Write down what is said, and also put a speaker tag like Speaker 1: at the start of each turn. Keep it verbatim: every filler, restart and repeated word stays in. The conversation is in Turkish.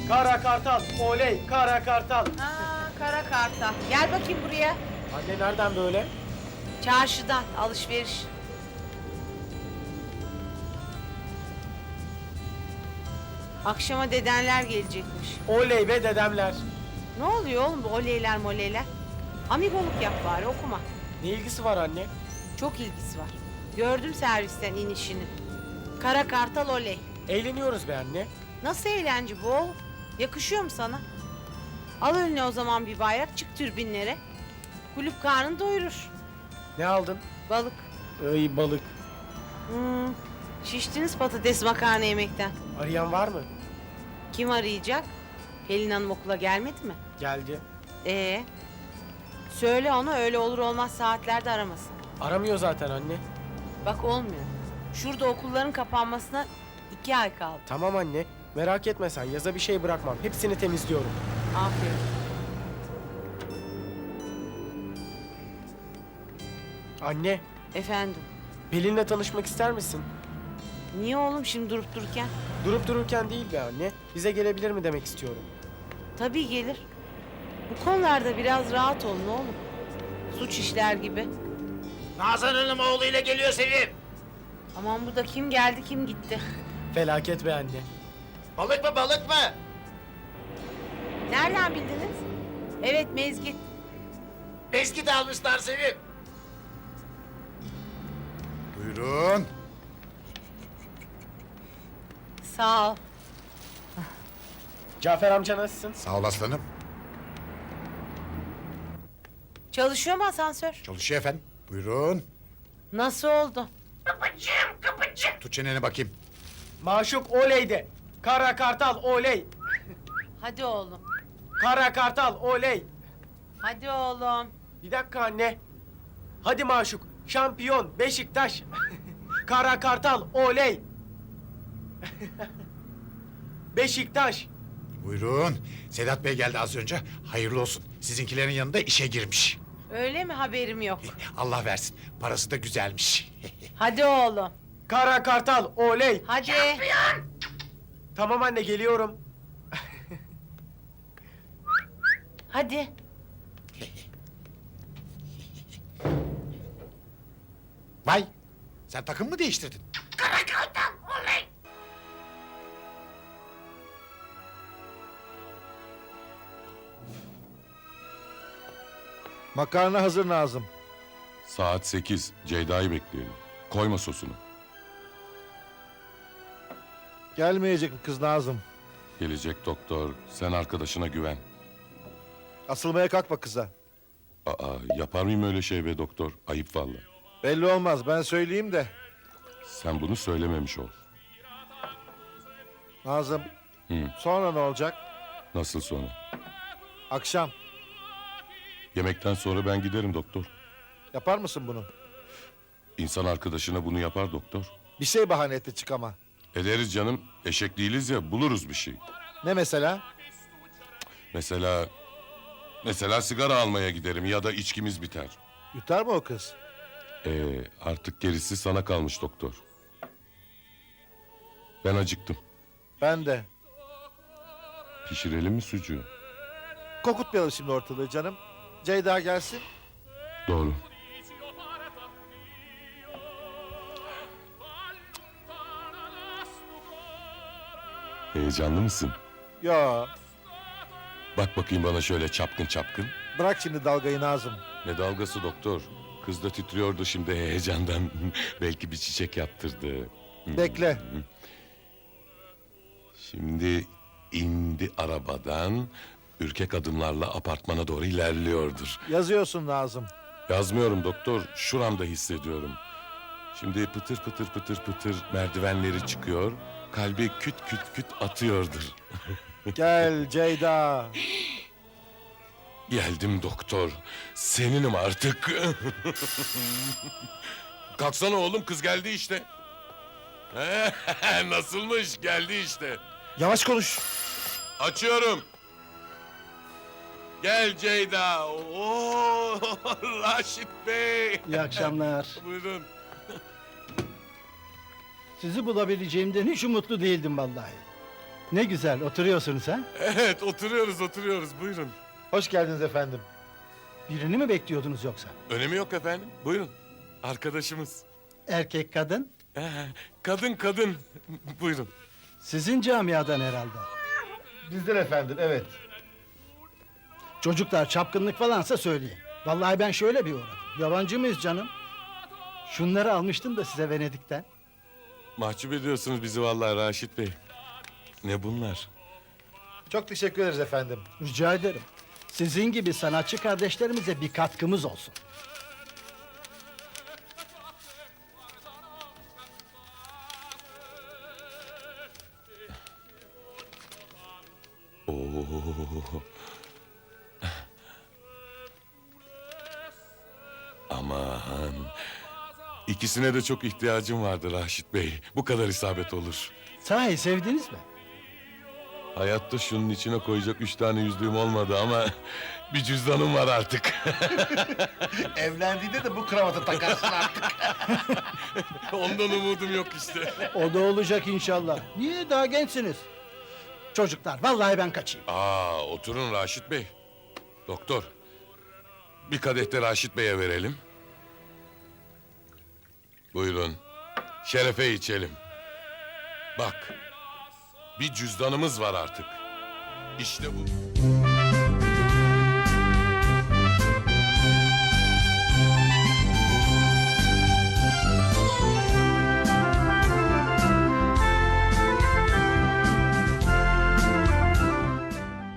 Speaker 1: Kara kartal, oley, kara kartal.
Speaker 2: Aa, kara kartal. Gel bakayım buraya.
Speaker 1: Anne nereden böyle?
Speaker 2: Çarşıdan alışveriş. Akşama dedenler gelecekmiş.
Speaker 1: Oley be dedemler.
Speaker 2: Ne oluyor oğlum bu oleyler moleyler? Amigoluk yap bari, okuma.
Speaker 1: Ne ilgisi var anne?
Speaker 2: Çok ilgisi var. Gördüm servisten inişini. Kara kartal oley.
Speaker 1: Eğleniyoruz be anne.
Speaker 2: Nasıl eğlence bu oğlum? Yakışıyor mu sana? Al önüne o zaman bir bayrak, çık türbinlere. Kulüp karnını doyurur.
Speaker 1: Ne aldın?
Speaker 2: Balık.
Speaker 1: Ay balık.
Speaker 2: Hmm, şiştiniz patates makarna yemekten.
Speaker 1: Arayan var mı?
Speaker 2: Kim arayacak? Pelin Hanım okula gelmedi mi?
Speaker 1: Geldi.
Speaker 2: Ee, söyle ona öyle olur olmaz saatlerde aramasın.
Speaker 1: Aramıyor zaten anne.
Speaker 2: Bak olmuyor. Şurada okulların kapanmasına iki ay kaldı.
Speaker 1: Tamam anne. Merak etme sen. Yaza bir şey bırakmam. Hepsini temizliyorum.
Speaker 2: Aferin.
Speaker 1: Anne,
Speaker 2: Efendim.
Speaker 1: Pelin'le tanışmak ister misin?
Speaker 2: Niye oğlum şimdi durup dururken?
Speaker 1: Durup dururken değil be anne. Bize gelebilir mi demek istiyorum.
Speaker 2: Tabii gelir. Bu konularda biraz rahat olun oğlum. Suç işler gibi.
Speaker 3: Nazan Hanım oğluyla geliyor Sevim.
Speaker 2: Aman bu da kim geldi kim gitti.
Speaker 1: Felaket be anne.
Speaker 3: Balık mı balık mı?
Speaker 2: Nereden bildiniz? Evet mezgit.
Speaker 3: Eski de almışlar Sevim.
Speaker 4: Buyurun.
Speaker 2: Sağ ol.
Speaker 1: Cafer amca nasılsın?
Speaker 4: Sağ ol aslanım.
Speaker 2: Çalışıyor mu asansör?
Speaker 4: Çalışıyor efendim. Buyurun.
Speaker 2: Nasıl oldu?
Speaker 4: Tut çeneni bakayım.
Speaker 1: Maşuk oley de. Kara kartal oley.
Speaker 2: Hadi oğlum.
Speaker 1: Kara kartal oley.
Speaker 2: Hadi oğlum.
Speaker 1: Bir dakika anne. Hadi Maşuk. Şampiyon Beşiktaş. Kara kartal oley. Beşiktaş.
Speaker 4: Buyurun. Sedat Bey geldi az önce. Hayırlı olsun. Sizinkilerin yanında işe girmiş.
Speaker 2: Öyle mi, haberim yok.
Speaker 4: Allah versin. Parası da güzelmiş.
Speaker 2: Hadi oğlum.
Speaker 1: Kara kartal oley.
Speaker 2: Hadi.
Speaker 1: Tamam anne geliyorum.
Speaker 2: Hadi.
Speaker 4: Vay. Sen takım mı değiştirdin?
Speaker 5: Makarna hazır Nazım.
Speaker 6: Saat sekiz. Ceyda'yı bekleyelim. Koyma sosunu.
Speaker 5: Gelmeyecek mi kız Nazım?
Speaker 6: Gelecek doktor. Sen arkadaşına güven.
Speaker 5: Asılmaya kalkma kıza.
Speaker 6: Aa, yapar mıyım öyle şey be doktor? Ayıp valla.
Speaker 5: Belli olmaz, ben söyleyeyim de.
Speaker 6: Sen bunu söylememiş ol.
Speaker 5: Nazım,
Speaker 6: Hı.
Speaker 5: sonra ne olacak?
Speaker 6: Nasıl sonra?
Speaker 5: Akşam.
Speaker 6: Yemekten sonra ben giderim doktor.
Speaker 5: Yapar mısın bunu?
Speaker 6: İnsan arkadaşına bunu yapar doktor.
Speaker 5: Bir şey bahane etti çık ama.
Speaker 6: Ederiz canım. Eşek değiliz ya, buluruz bir şey.
Speaker 5: Ne mesela?
Speaker 6: Mesela... Mesela sigara almaya giderim ya da içkimiz biter.
Speaker 5: Yutar mı o kız?
Speaker 6: Ee, artık gerisi sana kalmış doktor. Ben acıktım.
Speaker 5: Ben de.
Speaker 6: Pişirelim mi sucuğu?
Speaker 5: Kokutmayalım şimdi ortalığı canım. Ceyda gelsin.
Speaker 6: Doğru. Heyecanlı mısın?
Speaker 5: Yo,
Speaker 6: Bak bakayım bana şöyle çapkın çapkın.
Speaker 5: bırak şimdi dalgayı Nazım.
Speaker 6: Ne dalgası doktor? Kız da titriyordu şimdi heyecandan. Belki bir çiçek yaptırdı.
Speaker 5: Bekle.
Speaker 6: Şimdi indi arabadan... ...ürkek adımlarla apartmana doğru ilerliyordur.
Speaker 5: Yazıyorsun Nazım.
Speaker 6: Yazmıyorum doktor, şuramda hissediyorum. Şimdi pıtır pıtır pıtır pıtır merdivenleri çıkıyor... ...kalbi küt küt küt atıyordur.
Speaker 5: Gel Ceyda.
Speaker 6: Geldim doktor, seninim artık. Kalksana oğlum, kız geldi işte. Nasılmış, geldi işte.
Speaker 5: Yavaş konuş.
Speaker 6: Açıyorum. Gel Ceyda. Oo, Raşit Bey.
Speaker 7: İyi akşamlar.
Speaker 6: Buyurun.
Speaker 7: Sizi bulabileceğimden hiç umutlu değildim vallahi. Ne güzel oturuyorsunuz ha?
Speaker 6: Evet, oturuyoruz, oturuyoruz. Buyurun.
Speaker 5: Hoş geldiniz efendim.
Speaker 7: Birini mi bekliyordunuz yoksa?
Speaker 6: Önemi yok efendim. Buyurun. Arkadaşımız.
Speaker 7: Erkek kadın?
Speaker 6: Ee, kadın kadın. Buyurun.
Speaker 7: Sizin camiadan herhalde.
Speaker 5: Bizden efendim, evet.
Speaker 7: Çocuklar çapkınlık falansa söyleyin. Vallahi ben şöyle bir uğradım. Yabancı mıyız canım? Şunları almıştım da size Venedik'ten.
Speaker 6: Mahcup ediyorsunuz bizi vallahi Raşit Bey. Ne bunlar?
Speaker 5: Çok teşekkür ederiz efendim.
Speaker 7: Rica ederim. Sizin gibi sanatçı kardeşlerimize bir katkımız olsun.
Speaker 6: Oo. Aman. İkisine de çok ihtiyacım vardı Raşit Bey. Bu kadar isabet olur.
Speaker 7: Sahi sevdiniz mi?
Speaker 6: Hayatta şunun içine koyacak üç tane yüzüğüm olmadı ama bir cüzdanım var artık.
Speaker 4: Evlendiğinde de bu kravatı takarsın artık.
Speaker 6: Ondan umudum yok işte.
Speaker 7: O da olacak inşallah. Niye daha gençsiniz? Çocuklar vallahi ben kaçayım.
Speaker 6: Aa, oturun Raşit Bey. Doktor, bir kadeh de Raşit Bey'e verelim. Buyurun, şerefe içelim. Bak, bir cüzdanımız var artık. İşte bu.